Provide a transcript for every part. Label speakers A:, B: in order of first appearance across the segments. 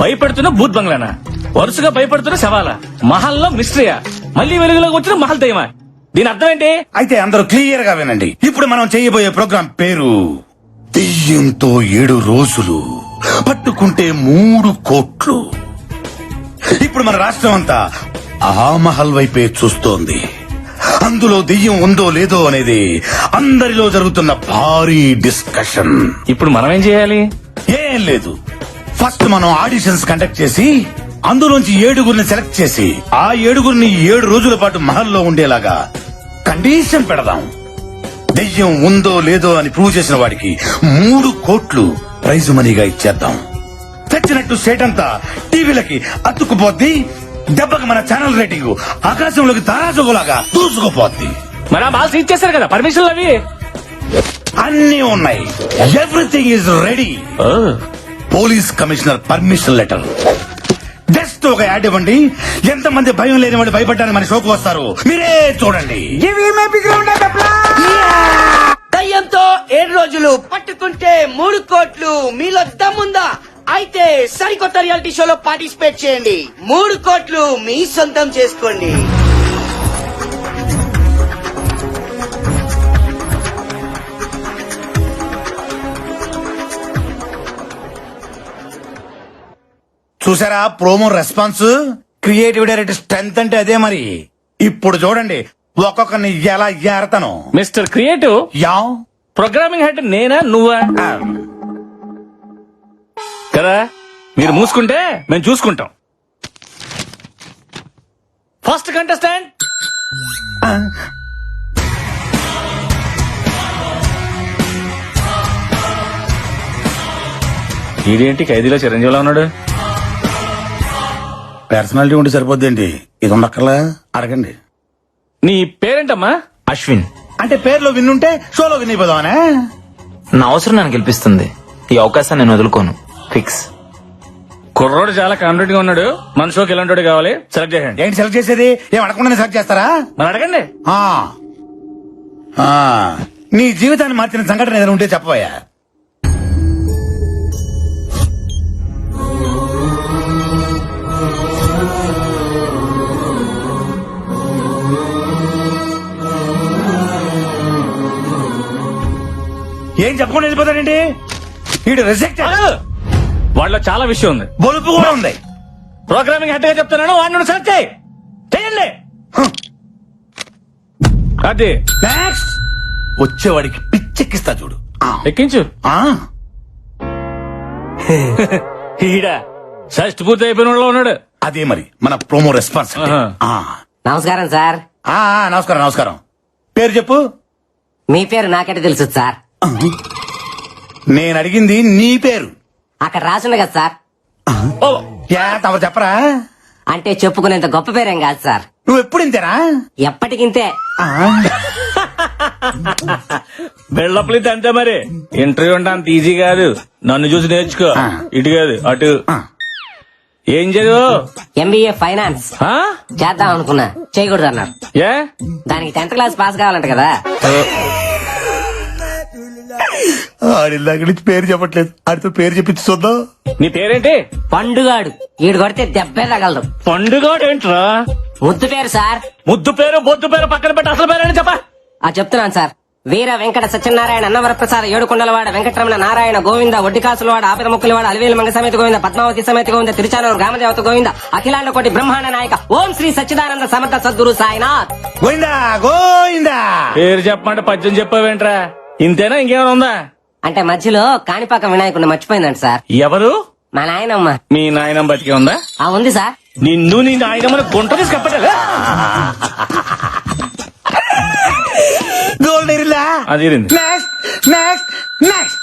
A: భయపెడుతున్న భూత్ బంగ్లానా, వరుసగా భయపెడుతున్న శవాలా, మహల్లో మిస్టరీయా, మళ్ళీ వెలుగులోకి వచ్చిన మహల్ దయ్యమా? దీని అర్థం ఏంటి?
B: అయితే అందరూ క్లియర్ గా వినండి. ఇప్పుడు మనం చేయబోయే ప్రోగ్రాం పేరు దెయ్యంతో 7 రోజులు, పట్టుకుంటే 3 కోట్లు. ఇప్పుడు మన రాష్ట్రం అంతా ఆ మహల్ వైపే చూస్తోంది. అందులో దెయ్యం ఉందో లేదో అనేది అందరిలో జరుగుతున్న భారీ డిస్కషన్.
A: ఇప్పుడు మనం ఏం చేయాలి?
B: ఏం లేదు, ఫస్ట్ మనం ఆడిషన్స్ కండక్ట్ చేసి అందులోంచి 7గురిని సెలెక్ట్ చేసి ఆ 7గురిని 7 రోజుల పాటు మహల్లో ఉండేలాగా కండిషన్ పెడదాం. దెయ్యం ఉందో లేదో అని ప్రూవ్ చేసిన వాడికి 3 కోట్లు ప్రైజ్ మనీగా ఇచ్చేద్దాం. తెచ్చినట్టు సేట్ అంతా టీవీలకి అతుక్కుపోద్ది. దెబ్బకి మన ఛానల్ రేటింగ్ ఆకాశంలోకి తారాజుగులాగా దూసుకుపోద్ది.
A: మరి ఆ మాల్స్ ఇచ్చేస్తారు కదా పర్మిషన్లు అవి
B: అన్నీ ఉన్నాయి. Everything is ready. Police commissioner permission letter. Just ఒక యాడ్ ఇవ్వండి. ఎంతమంది భయం లేని వాళ్ళు భయపడ్డానికి మన షోకు వస్తారు, మీరే చూడండి.
C: దయ్యంతో 7 రోజులు, పట్టుకుంటే 3 కోట్లు. మీలో దమ్ముందా? అయితే సరికొత్త రియాలిటీ షోలో పార్టిసిపేట్ చేయండి. 3 కోట్లు మీ సొంతం చేసుకోండి.
B: చూసారా promo response? Creative director strength అంటే అదే మరి. ఇప్పుడు చూడండి ఒక్కొక్కరిని ఎలా ఏరతను.
A: Mister creative,
B: yeah
A: programming head నేనా నువ్వా? కదా, మీరు మూసుకుంటే మేము చూసుకుంటాం. ఫస్ట్ కంటెస్టెంట్ ఇదేంటి ఖైదీలో చిరంజీవిలో ఉన్నాడు?
B: పర్సనాలిటీ ఉంటే సరిపోద్దేంటి, ఇది ఉండక్కర్లా? అడగండి.
A: నీ పేరేంటమ్మా?
D: అశ్విన్.
B: అంటే పేరులో విన్నుంటే షోలో విన్ అయిపోదామనే.
D: నా అవసరం నన్ను గెలిపిస్తుంది. ఈ అవకాశాన్ని నేను వదులుకోను. ఫిక్స్.
A: కుర్రోడు చాలా కాన్ఫిడెంట్ గా ఉన్నాడు. మన షోకి ఎలాంటి కావాలి సెలెక్ట్ చేయండి.
B: ఏంటి సెలెక్ట్ చేసేది? ఏం అడగకుండా సెలెక్ట్ చేస్తారా?
A: మరి అడగండి.
B: ఆ. ఆ. నీ జీవితాన్ని మార్చిన సంఘటన ఏదైనా ఉంటే చెప్పబోయా. ఏం చెప్పకుండా వెళ్ళిపోతాడండి వీడు. రిజెక్ట్.
A: వాళ్ళలో చాలా విషయం ఉంది,
B: బొలుపు కూడా ఉంది.
A: ప్రోగ్రామింగ్ హెడ్ గా చెప్తున్నాను, వాడిని సెలెక్ట్ చేయండి. అది
B: నెక్స్ట్ వచ్చేవాడికి పిచ్చెక్కిస్తా చూడు.
A: ఎక్కించు.
B: ఆ.
A: ఈడ షష్టి పూర్తి అయిపోయిన వాళ్ళు ఉన్నాడు.
B: అదే మరి మన ప్రోమో రెస్పాన్స్.
E: నమస్కారం సార్.
B: నమస్కారం నమస్కారం. పేరు చెప్పు.
E: మీ పేరు నాకెట తెలుసు సార్?
B: నేను అడిగింది నీ పేరు.
E: అక్కడ రాసుంది కదా సార్.
B: తమరు చెప్పరా?
E: అంటే చెప్పుకునేంత గొప్ప పేరేం కాదు సార్.
B: నువ్వు ఎప్పుడు ఇంతేనా?
E: ఎప్పటికింతే.
A: బెళ్ళప్పలితే అంతే మరి. ఇంటర్వ్యూ అంటే అంత ఈజీ కాదు. నన్ను చూసి నేర్చుకో. ఇటు కాదు అటు. ఏం చదువు?
E: ఎంబీఏ ఫైనాన్స్ చేద్దాం అనుకున్నా, చేయకూడదు అన్నారు.
A: ఏ?
E: దానికి 10th క్లాస్ పాస్ కావాలంట కదా.
B: ఆడిల్లాక నుంచి పేరు చెప్పట్లేదు, ఆడితో పేరు చెప్పించి చూద్దాం.
A: నీ పేరేంటి?
E: పండుగాడు. ఈడు కొడితే దెబ్బే తగలదు.
A: పండుగ ఏంట్రా?
E: ముద్దు పేరు సార్.
A: ముద్దు పేరు బొద్దు పేరు పక్కన పెట్టి అసలు పేరేంటి చెప్ప.
E: చెప్తున్నాను సార్. వీర వెంకట సత్యనారాయణ అన్నవరప్రసాద ఏడుకొండలవాడ వెంకటరమణ నారాయణ గోవింద ఒడ్డికాసులవాడ ఆపిద ముక్కులవాడ అలివేలు మంగ సమేత గోవింద పద్మావతి సమేత గోవింద తిరుచానూరు గ్రామదేవత గోవింద అఖిలాండ కోటి బ్రహ్మాండ నాయక ఓం శ్రీ సచ్చిదానంద సమర్థ సద్గురు సాయినాథ్
B: గోవిందా గోవిందా.
A: పేరు చెప్పమంటే పద్యం చెప్పావేంట్రా? ఇంతేనా ఇంకేమైనా ఉందా?
E: అంటే మధ్యలో కాణిపాక వినాయకుడిని మర్చిపోయిందంట సార్.
A: ఎవరు?
E: మా నాయనమ్మ.
A: మీ నాయనమ్మ బతికే ఉందా?
E: ఉంది సార్.
A: నిన్ను నీ నాయనమ్మని గుంట తీసి కప్పటా
B: గోల్డ్ ఎరిలా.
A: అది
B: నెక్స్ట్ నెక్స్ట్ నెక్స్ట్.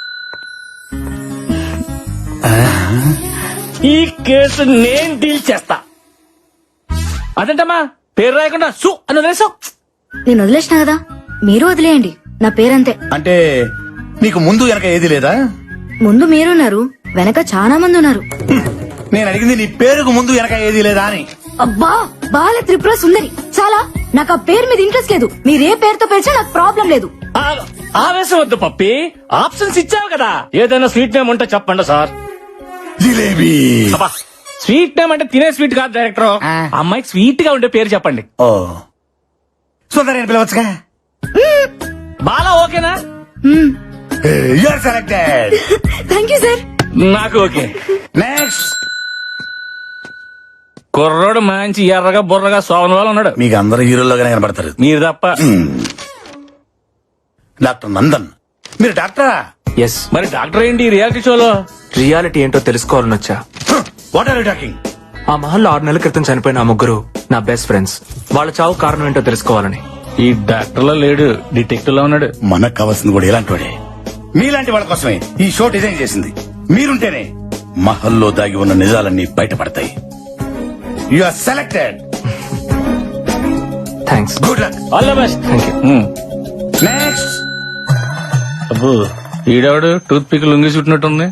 A: ఈ కేసు నేను డీల్ చేస్తా. అదేంటమ్మా పేరు రాయకుండా సు అని వదిలేసావు?
F: నేను వదిలేసిన కదా, మీరు వదిలేయండి. నా పేరంతే.
B: అంటే నీకు ముందు వెనక ఏది లేదా?
F: ముందు మీరున్నారు, వెనక చాలా మంది ఉన్నారు.
B: నేను అడిగింది నీ పేరుకు ముందు వెనక ఏది లేదా అని.
F: అబ్బా, బాల త్రిపుర సుందరి. చాలా. నాకు ఆ పేరు మీద ఇంట్రెస్ట్ లేదు. మీరే పేరుతో పిలిచినా నాకు ప్రాబ్లం లేదు.
A: ఆవేశం వద్దు పప్పి, ఆప్షన్స్ ఇచ్చావు కదా. ఏదైనా స్వీట్ నేమ్ ఉంటే చెప్పండి సార్.
B: జిలేబీ.
A: స్వీట్ నేమ్ అంటే తినే స్వీట్ కాదు డైరెక్టర్.
B: ఆ.
A: అమ్మాయికి స్వీట్ గా ఉండే పేరు చెప్పండి.
B: ఓ సుందరని పిలవచ్చుగా.
A: బాలా ఓకేనా?
B: You are selected.
F: Thank you sir.
A: నాకు ఓకే.
B: నెక్స్ట్.
A: కుర్రోడు మంచి ఎర్రగా బుర్రగా సోమన్ వాళ్ళు ఉన్నాడు.
B: మీకు అందరు హీరోలుగానే కనబడతారు.
A: మీరు తప్ప.
B: డాక్టర్ నందన్, మీరు డాక్టరా?
D: ఎస్.
A: మరి డాక్టర్ ఏంటి రియాలిటీ షోలో?
D: రియాలిటీ ఏంటో తెలుసుకోవాలని వచ్చా.
B: What are you talking?
D: ఆ మహల్లో 6 నెలల క్రితం చనిపోయిన ఆ ముగ్గురు నా బెస్ట్ ఫ్రెండ్స్. వాళ్ళ చావు కారణం ఏంటో తెలుసుకోవాలని.
A: ఈ డాక్టర్ లో లేడు, డిటెక్టివ్ లో ఉన్నాడు.
B: మనకు కావాల్సింది కూడా ఇలాంటి వాడే. మీలాంటి వాళ్ళ కోసమే ఈ షో డిజైన్ చేసింది. మీరుంటేనే మహల్లో దాగి ఉన్న నిజాలన్నీ బయటపడతాయి. You are selected.
D: Thanks.
B: Good luck.
A: All the best.
D: Thank you.
B: Next.
A: అబ్బో ఈడవాడు టూత్ పిక్ లొంగి చుట్టినట్టుంది.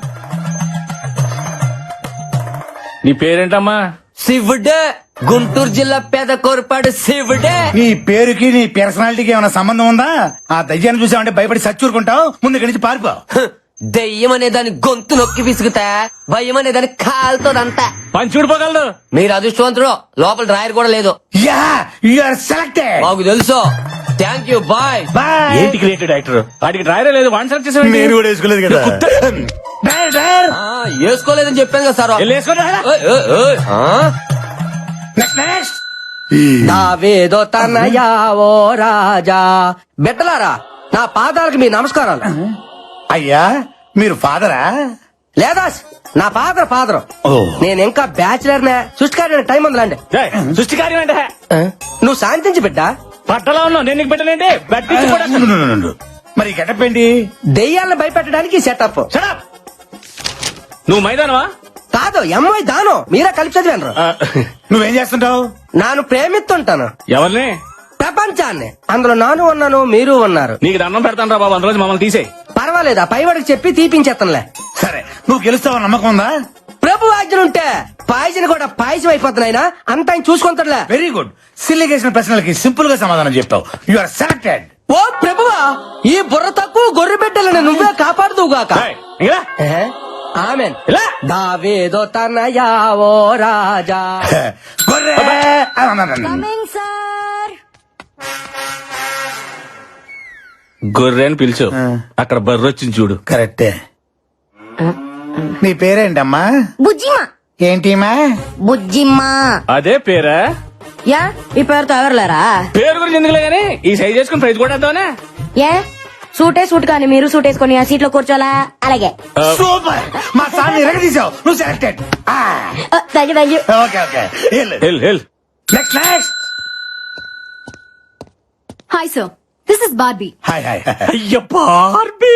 A: నీ పేరేంటమ్మా?
C: శివుడే, గుంటూరు జిల్లా పేద కోరపాడు శివుడే.
B: నీ పేరుకి నీ పర్సనాలిటీకి ఏమైనా సంబంధం ఉందా? ఆ దయ్యాన్ని చూసావంటే భయపడి సచ్చూరుకుంటావు. ముందు ఇక్కడి నుంచి పారిపో.
C: దెయ్యం అనే దాని గొంతు నొక్కి విసుగుతా, భయం అనే దాని కాలుతోదంతా.
A: పని చూడిపోగలదు.
C: మీరు అదృష్టవంతుడు, లోపల డ్రాయర్ కూడా లేదు.
B: Yeah, you are selected.
C: మాకు తెలుసు. Thank you, bye.
B: బాయ్.
A: ఏంటి క్రియేటివ్ డైరెక్టర్? వాడికి డ్రైవరే లేదు, వన్ సెలెక్ట్ చేసాడు.
B: నేను కూడా వేసుకోలేదు కదా. Driver, driver.
C: వేసుకోలేదని చెప్పాను కదా సార్. ఓయ్, ఓయ్, ఓయ్.
B: Next, next.
C: దావేదో తనయా ఓ రాజా. బిడ్డలారా, నా పాదాలకు మీ నమస్కారాలు.
B: అయ్యా, మీరు ఫాదరా?
C: లేదా నా ఫాదర్.
B: ఓ.
C: నేను ఇంకా బ్యాచిలర్ నే. సృష్టికారి టైం ఉందిలాండి.
A: సృష్టి కార్యం అంటే
C: నువ్వు శాంతించి బిడ్డ.
A: పట్టలో ఉన్నావు, నేను నీకు పెట్టలేంటి.
B: ఉండు. మరి ఈ గెటప్ ఏంటి?
C: దెయ్యాలను భయపెట్టడానికి సెటప్.
A: నువ్వు మైదానవా?
C: కాదు, ఎంఐ దానం. మీరే కలిపి చదివాను.
B: నువ్వేం చేస్తుంటావు?
C: నాను ప్రేమిస్తుంటాను
A: ఎవరిని?
C: ప్రపంచాన్ని. అందులో నాను ఉన్నాను, మీరు ఉన్నారు.
A: నీకు దండం పెడతాను రా బాబు, అందులో మమ్మల్ని తీసేయి.
C: పర్వాలేదు, ఆ పైవాడికి చెప్పి తీపించేస్తానులే.
B: సరే, నువ్వు గెలుస్తావని నమ్మకం ఉందా?
C: ప్రభు ఆజ్ఞలుంటే పాయసం కూడా పాయసం అయిపోతున్నాయినా అంత ఆయన చూసుకుంటాడులే.
B: Very good. సిల్లి చేసిన ప్రశ్నలకి సింపుల్ గా సమాధానం చెప్తావు. You are selected.
C: ఓ ప్రభువా, ఈ బుర్ర తక్కువ గొర్రె బిడ్డలను నువ్వే కాపాడుదువుగాక.
A: ఏయ్, ఇంకా రా.
C: ఆమెన్.
A: ఇలా.
C: దావేదో తనయా ఓ రాజా.
B: గొర్రె.
F: Coming sir.
A: గొర్రె అని పిలిచు. అక్కడ బర్రె వచ్చింది చూడు.
B: కరెక్టే. నీ పేరేంటమ్మా?
F: బుజ్జిమా.
B: ఏంటిమా?
F: బుజ్జిమా.
A: అదే పేరా?
F: యా, ఈ పేరుతో ఎవరులేరా?
A: పేరు గురించి ఎందుకులే గానీ ఈ సైజ్ చేసుకుని ప్రైజ్ కూడా వేద్దామనే.
F: ఏ సూట్ కానీ మీరు సూట్ వేసుకొని ఆ సీట్ లో కూర్చోలా? అలాగే.
B: సూపర్. మా సార్ ఎరగదీసావు. నువ్వు selected.
F: Thank you.
B: Okay, okay.
A: Hell
B: next, next.
F: Hi sir, this is Barbie.
B: Hi, hi.
A: అయ్య బార్బీ.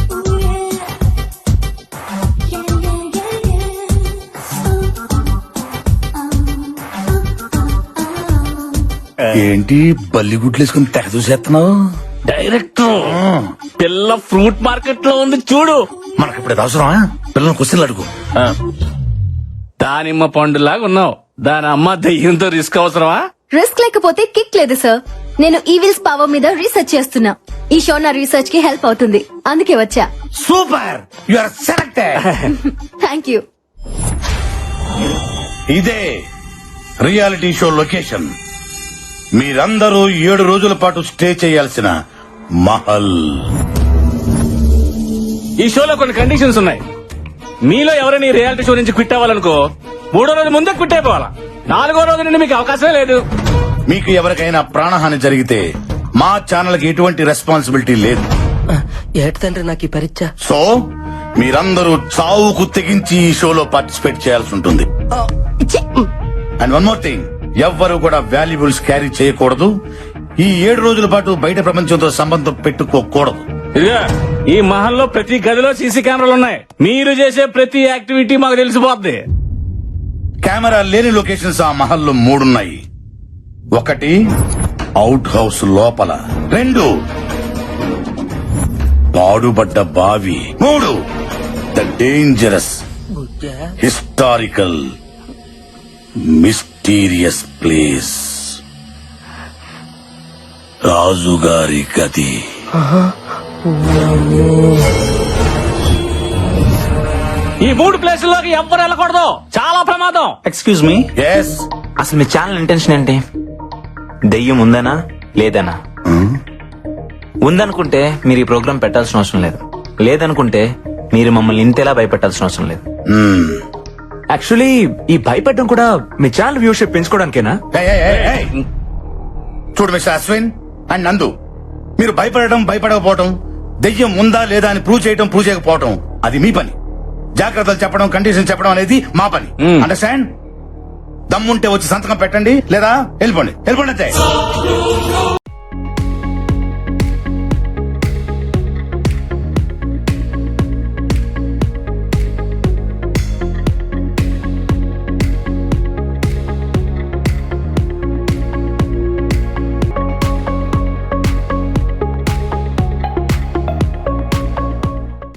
B: ఏంటి బల్లిగుడ్లు వేసుకుని తెగ చూసేస్తున్నావు?
A: డైరెక్టర్, పిల్ల ఫ్రూట్ మార్కెట్ లో ఉంది చూడు.
B: మనకి ఇప్పుడు అవసరమా? పిల్లలు క్వశ్చన్లు అడుగు.
A: దానిమ్మ పండులాగా ఉన్నావు. దాని అమ్మ దయ్యంతో రిస్క్ అవసరమా?
F: రిస్క్ లేకపోతే కిక్ లేదు సార్. నేను ఈవిల్స్ పవర్ మీద రీసెర్చ్ చేస్తున్నా. ఈ షో నా రీసెర్చ్ కి హెల్ప్ అవుతుంది, అందుకే వచ్చా.
B: Super. You are selected.
F: Thank you.
B: ఇదే రియాలిటీ షో లొకేషన్. మీరందరూ 7 రోజుల పాటు స్టే చేయాల్సిన మహల్.
A: ఈ షోలో కొన్ని కండిషన్స్ ఉన్నాయి. మీలో ఎవరైనా ఈ రియాలిటీ షో నుంచి క్విట్ అవ్వాలనుకో 3వ రోజు ముందే క్విట్ అయిపోవాలా. 4వ రోజు నుండి మీకు అవకాశమే లేదు.
B: మీకు ఎవరికైనా ప్రాణహాని జరిగితే మా ఛానల్ కి ఎటువంటి రెస్పాన్సిబిలిటీ లేదు.
C: ఏటి తండ్రి నాకు ఈ పరీక్ష.
B: సో మీరందరూ చావుకు తెగించి ఈ షోలో పార్టిసిపేట్ చేయాల్సి ఉంటుంది. అండ్ వన్ మోర్ థింగ్, ఎవ్వరు కూడా వాల్యుబుల్స్ క్యారీ చేయకూడదు. ఈ 7 రోజుల పాటు బయట ప్రపంచంతో సంబంధం పెట్టుకోకూడదు.
A: ఇదిగా ఈ మహల్లో ప్రతి గదిలో సీసీ కెమెరాలు ఉన్నాయి. మీరు చేసే ప్రతి యాక్టివిటీ మాకు తెలిసిపోద్ది.
B: కెమెరా లేని లొకేషన్స్ ఆ మహల్లో 3 ఉన్నాయి. 1 అవుట్ హౌస్ లోపల, 2 పాడుబడ్డ బావి, 3 the dangerous historical mysterious place, రాజుగారి గది.
A: ఈ 3 ప్లేసుల్లోకి ఎవ్వరు వెళ్ళకూడదు, చాలా ప్రమాదం.
G: Excuse me,
B: yes.
G: అసలు మీ ఛానల్ ఇంటెన్షన్ ఏంటి? దెయ్యం ఉందనా లేదనా? ఉందనుకుంటే మీరు ఈ ప్రోగ్రామ్ పెట్టాల్సిన అవసరం లేదు, లేదనుకుంటే మీరు మమ్మల్ని ఇంతేలా భయపెట్టాల్సిన అవసరం లేదు.
D: యాక్చువల్లీ ఈ భయపెట్టడం కూడా మీ ఛానల్ వ్యూషిప్ పెంచుకోవడానికేనా?
B: చూడు మిస్టర్ అశ్విన్ అండ్ నందు, మీరు భయపడటం భయపడకపోవటం, దెయ్యం ఉందా లేదా అని ప్రూవ్ చేయకపోవటం అది మీ పని. జాగ్రత్తలు చెప్పడం, కండిషన్ చెప్పడం అనేది మా పని. అండర్స్టాండ్? దమ్ముంటే వచ్చి సంతకం పెట్టండి, లేదా వెళ్ళిపోండి అంతే.